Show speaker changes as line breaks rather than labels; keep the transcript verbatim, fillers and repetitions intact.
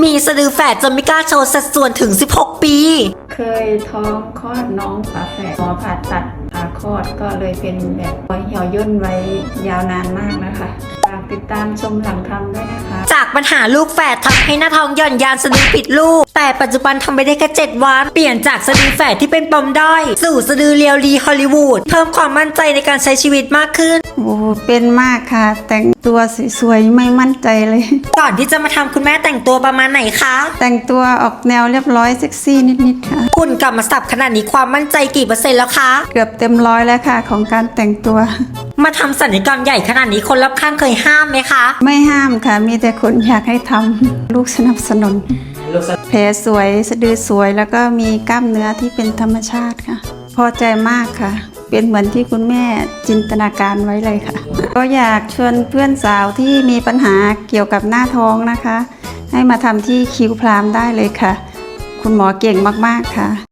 มีสะดือแฝดจนไม่กล้าโชว์สัดส่วนถึงสิบหกปี
เคยท้องคลอดน้องฝาแฝดหมอผ่าตัดผ่าคลอดก็เลยเป็นแบบรอยเหี่ยวย่นไว้ยาวนานมากนะคะฝากติดตามชมหลังทำด้วยนะคะ
จากปัญหาลูกแฝดทำให้หน้าท้องหย่อนยานสะดือผิดลูกแต่ปัจจุบันทำไปได้แค่เจ็ดวันเปลี่ยนจากสะดือแฝดที่เป็นปมด้อยสู่สะดือเรียวดีฮอลลีวูดเพิ่มความมั่นใจในการใช้ชีวิตมากขึ้น
โอ้เป็นมากค่ะแต่งตัวสวยๆไม่มั่นใจเลย
ก่อนที่จะมาทำคุณแม่แต่งตัวประมาณไหนคะ
แต่งตัวออกแนวเรียบร้อยเซ็กซี่นิดๆค่ะ
คุณกลับมาสับขนาดนี้ความมั่นใจกี่เปอร์เซ็นต์แล้วคะ
เกือบเต็มร้อยแล้วค่ะของการแต่งตัว
มาทำศัลยกรรมใหญ่ขนาดนี้คนรอบข้างเคยห้ามไหมคะ
ไม่ห้ามค่ะมีแต่คนอยากให้ทำลูกสนับสนุนแผลสวยสะดือสวยแล้วก็มีกล้ามเนื้อที่เป็นธรรมชาติค่ะพอใจมากค่ะเป็นเหมือนที่คุณแม่จินตนาการไว้เลยค่ะก็อยากชวนเพื่อนสาวที่มีปัญหาเกี่ยวกับหน้าท้องนะคะให้มาทำที่คิวพรามได้เลยค่ะคุณหมอเก่งมากๆค่ะ